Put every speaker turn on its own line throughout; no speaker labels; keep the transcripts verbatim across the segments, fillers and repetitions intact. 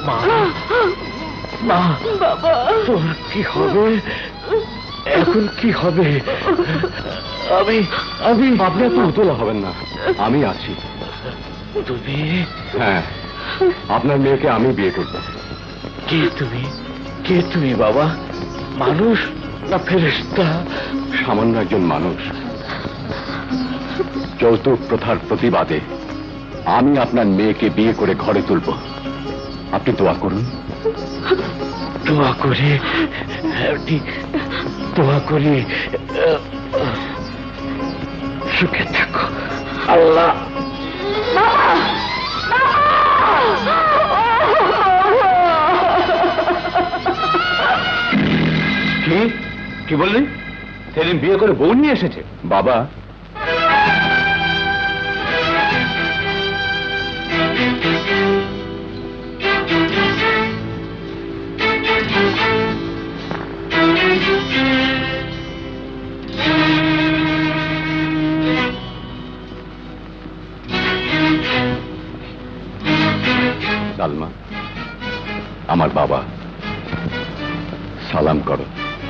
মা মা বাবা, তোর কি হবে এখন? কি হবে? আমি আমি
আপনার তো উতলা হবেন না, আমি আছি।
তুমি?
হ্যাঁ, আপনার মেয়েকে আমি বিয়ে করব।
কে তুমি? কে তুমি বাবা? মানুষ না ফেরেশতা?
সামান্য একজন মানুষ। যৌতুক প্রথার প্রতিবাদে আমি আপনার মেয়েকে বিয়ে করে ঘরে তুলব। আপনি দোয়া করুন।
দোয়া করি, দোয়া করি সুখে থাকো। আল্লাহ।
কি কি বললি? সেদিন বিয়ে করে বউ নিয়ে এসেছে? বাবা, সালমা, আমার বাবা, সালাম করো।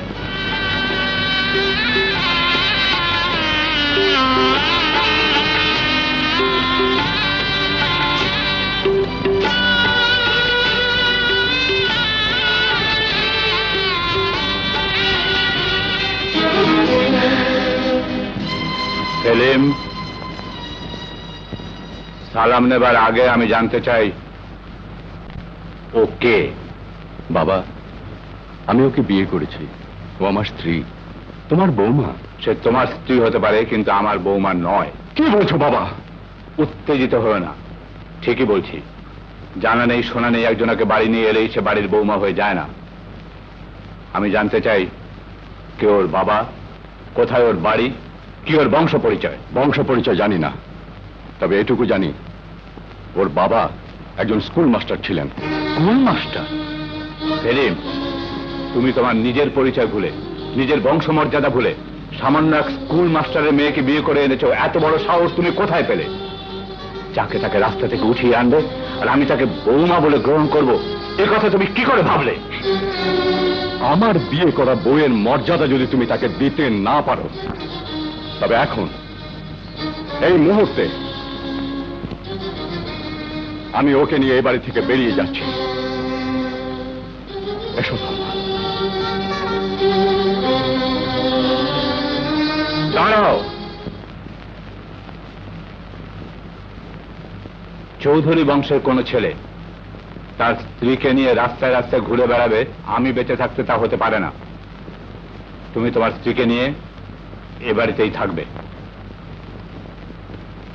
সেলিম, সালাম নেবার আগে আমি জানতে চাই ও কে? বাবা, আমি ওকে বিয়ে করেছি। ও আমার স্ত্রী, তোমার বৌমা। সে তোমার স্ত্রী হতে পারে, কিন্তু আমার বৌমা নয়। কি বলছো বাবা? উত্তেজিত হও না, ঠিকই বলছি। জানা নেই শোনা নেই একজনকে বাড়ি নিয়ে এলেই সে বাড়ির বৌমা হয়ে যায় না। আমি জানতে চাই কে ওর বাবা, কোথায় ওর বাড়ি, কি ওর বংশ পরিচয়। বংশ পরিচয় জানি না, তবে এটুকু জানি ওর বাবা একজন স্কুল মাস্টার ছিলেন। School master? সেলিম, তুমি তোমার নিজের পরিচয় ভুলে, নিজের বংশমর্যাদা ভুলে সামান্য এক স্কুল মাস্টারের মেয়েকে বিয়ে করে এনেছো। এত বড় সাহস তুমি কোথায় পেলে? যাকে তাকে রাস্তা থেকে উঠিয়ে আনবে আর আমি তাকে বৌমা বলে গ্রহণ করব, এ কথা তুমি কি করে ভাবলে? আমার বিয়ে করা বউয়ের মর্যাদা যদি তুমি তাকে দিতে না পারো, তবে এখন এই মুহূর্তে আমি ওকে নিয়ে এই বাড়ি থেকে বেরিয়ে যাচ্ছি। এসো সালমা। দাঁড়াও। চৌধুরী বংশের কোন ছেলে তার স্ত্রীকে নিয়ে রাস্তায় রাস্তায় ঘুরে বেড়াবে, আমি বেঁচে থাকতে তা হতে পারে না। তুমি তোমার স্ত্রীকে নিয়ে এ বাড়িতেই থাকবে।